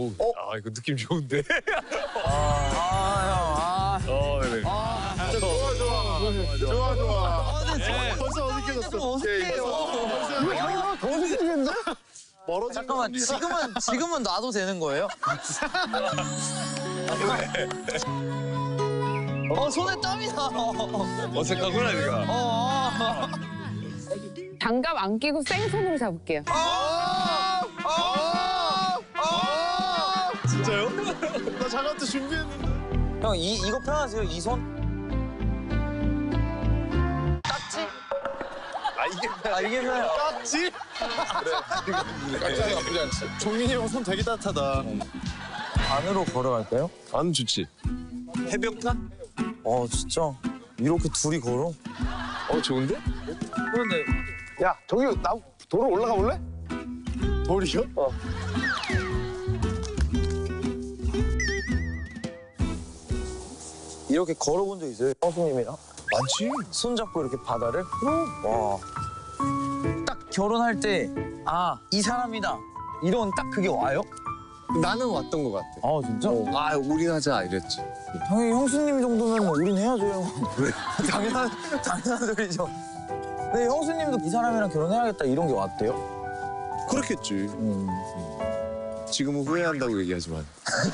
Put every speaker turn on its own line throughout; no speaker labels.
이거 느낌 좋은데? 네네.
좋아.
벌써 어색해졌어.
어색해요.
더 어색해지겠는데?
잠깐만, 지금은 놔도 되는 거예요? 손에 땀이 나.
어색하구나, 네가.
장갑 안 끼고 생손으로 잡을게요.
진짜요?
나 장갑도 준비했는데.
형, 이거 편하세요? 이 손? 깍지? 이게 편해요.
깍지? 깍지가 나쁘지 않지. 종민이 형 손 되게 따뜻하다.
안으로 걸어갈까요?
안 좋지. 해변가?
진짜. 이렇게 둘이 걸어?
좋은데?
그런데
야, 저기 도로 올라가 볼래? 돌이요?
이렇게 걸어본 적 있어요? 형수님이랑?
많지.
손잡고 이렇게 바다를? 와. 딱 결혼할 때, 이 사람이다. 이런 딱 그게 와요?
나는 왔던 것 같아.
진짜?
우린 하자 이랬지.
당연히 형수님 정도면 우린 해야죠, 형.
왜?
당연한 소리죠. 근데 형수님도 이 사람이랑 결혼해야겠다 이런 게 왔대요?
그렇겠지. 지금은 후회한다고 얘기하지만.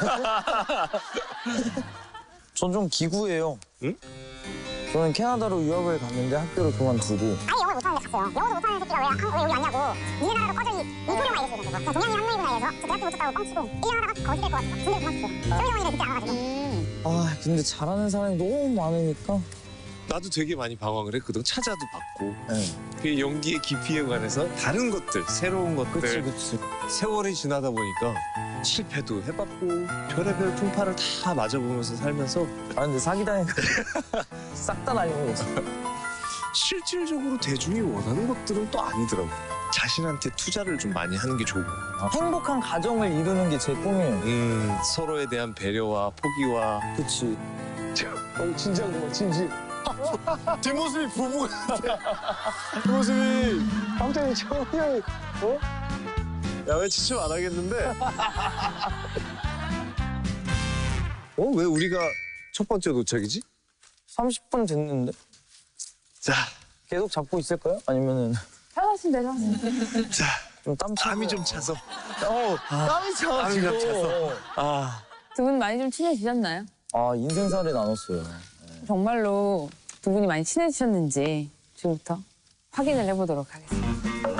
전 좀 기구예요.
응?
저는 캐나다로 유학을 갔는데 학교를 그만두고.
아예 영어도 못하는데 갔어요. 영어도 못하는 새끼가 왜 여기 왔냐고. 니네 나라로 꺼져 이 소리만 얘기했어요. 그냥 동양인 한명이구나 해서 저 대학교 못 갔다고 뻥치고 1년 하다가 거지 될것 같아서 군대 그만뒀어요. 쇼미더머니를 그때 알아가지고.
근데 잘하는 사람이 너무 많으니까.
나도 되게 많이 방황을 했거든. 찾아도 봤고.
네.
그 연기의 깊이에 관해서 다른 것들, 새로운 것들.
그치.
세월이 지나다 보니까 실패도 해봤고 별의별 풍파를 다 맞아보면서 살면서
근데 사기당해서 싹 다 날려먹었어.
실질적으로 대중이 원하는 것들은 또 아니더라고. 자신한테 투자를 좀 많이 하는 게 좋고.
행복한 가정을 이루는 게 제 꿈이에요.
서로에 대한 배려와 포기와.
그치.
진지한 거 봐, 진지. 뒷모습이 부부 같아. 뒷모습이 갑자기 정이 형이 야, 왜 지침 안 하겠는데?
왜 우리가 첫 번째 도착이지?
30분 됐는데.
자,
계속 잡고 있을까요? 아니면은
편하신 대로 하세요.
자,
좀 땀 차고.
땀이 좀 차서.
땀이 차가지고.
땀이 좀 차서.
두 분 많이 좀 친해지셨나요?
인생살이 나눴어요.
정말로 두 분이 많이 친해지셨는지 지금부터 확인을 해보도록 하겠습니다.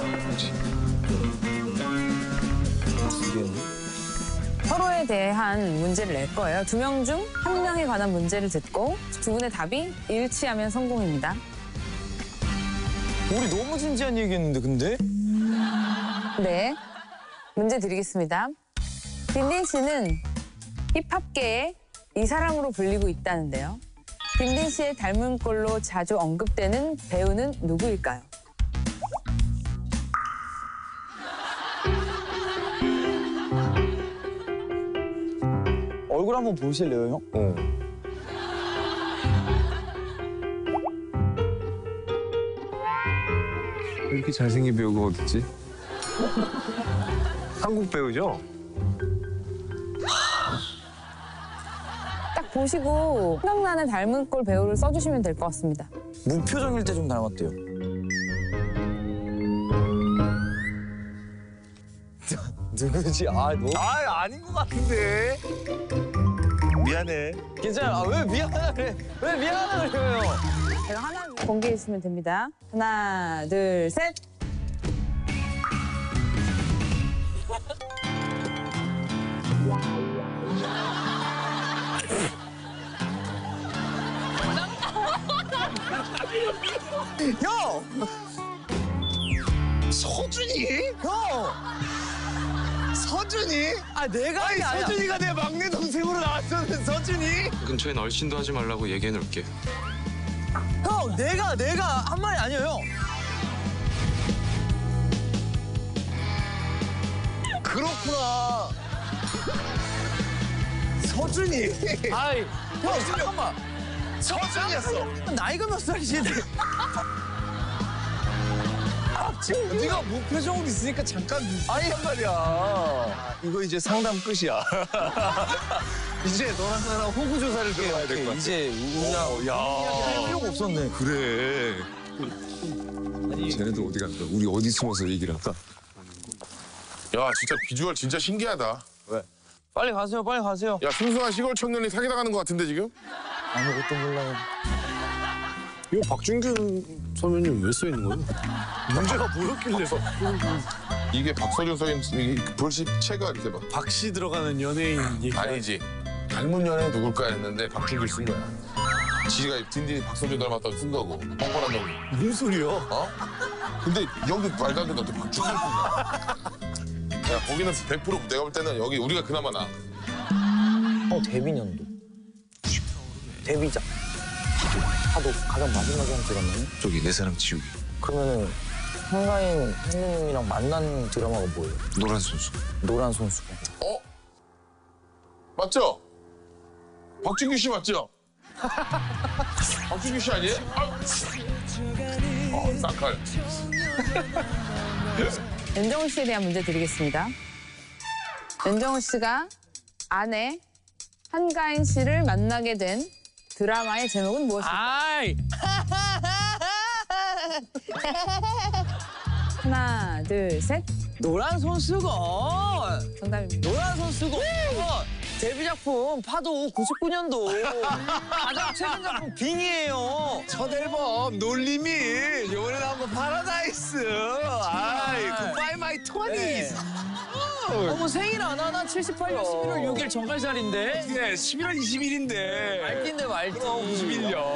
서로에 대한 문제를 낼 거예요. 두 명 중 한 명에 관한 문제를 듣고 두 분의 답이 일치하면 성공입니다.
우리 너무 진지한 얘기했는데 근데?
네, 문제 드리겠습니다. 딘딘 씨는 힙합계의 이 사람으로 불리고 있다는데요. 딘딘 씨의 닮은 꼴로 자주 언급되는 배우는 누구일까요?
얼굴 한번 보실래요, 형?
이렇게 잘생긴 배우가 어딨지? 한국 배우죠?
딱 보시고 생각나는 닮은 꼴 배우를 써주시면 될 것 같습니다.
무표정일 때 좀 닮았대요. 누구지?
아닌 것 같은데. 미안해.
괜찮아요. 왜 미안하다 그래? 왜 미안하다 그래요?
제가 하나 공개해 주시면 됩니다. 하나, 둘, 셋.
형!
서준이?
형!
서준이?
내가 한 게 아니야.
서준이가 내 막내 동생으로 나왔었는 서준이?
근처엔 얼씬도 하지 말라고 얘기해 놓을게.
형, 내가 한 말이 아니에요, 형.
그렇구나. 서준이.
형, 잠깐만.
서준이었어.
나이가 몇 살이신데? 네가 무표정으로 있으니까 잠깐 아니란 말이야.
이거 이제 상담 끝이야. 이제 너랑 나랑 호구 조사를 들어가야 될 것 같아.
이제 우리가 할 필요가 없었네.
그래. 쟤네들 어디 갈까? 우리 어디 숨어서 얘기를 할까?
야 진짜 비주얼 진짜 신기하다.
빨리 가세요, 빨리 가세요.
야 순수한 시골 청년이 사기당하는 것 같은데 지금?
아무것도 몰라요.
이거 박준균 선배님 왜 써 있는 거예요? 문제가 뭐였길래?
이게 박서준 써있는 이 불시체가 이렇게 막
박씨 들어가는 연예인 얘기.
아니지. 닮은 연예인 누굴까 했는데 박준규 쓴 거야. 지가 딘딘이 박서준 닮았다고 쓴 거고 뻔뻔한다고.
무슨 소리야?
어? 근데 여기 말도 안 된다 또 박준규 쓴 거야. 야 거기는 100% 내가 볼 때는 여기 우리가 그나마 나.
데뷔년도. 데뷔작. 하도 가장 마지막에 한 드라마는?
저기 내 사랑 지우기.
그러면은 한가인 선생님이랑 만난 드라마가 뭐예요?
노란 선수.
노란 선수가.
어? 맞죠? 박준규 씨 맞죠? 박준규 씨 아니에요? 쌍칼.
윤정우 씨에 대한 문제 드리겠습니다. 윤정우 씨가 아내 한가인 씨를 만나게 된 드라마의 제목은 무엇일까요?
아이!
하나, 둘, 셋.
노란 손수건!
정답입니다.
노란 손수건! 데뷔 작품 파도 99년도. 가장 최근 작품 빙이에요.
첫 앨범 놀림이 이번에 나온 거 파라다이스. 아이, 굿바이 마이 토니스.
어머 생일 안 하나? 78년 11월 6일 정갈자리인데?
네, 11월 20일인데.
말띠인데 말띠.
91년.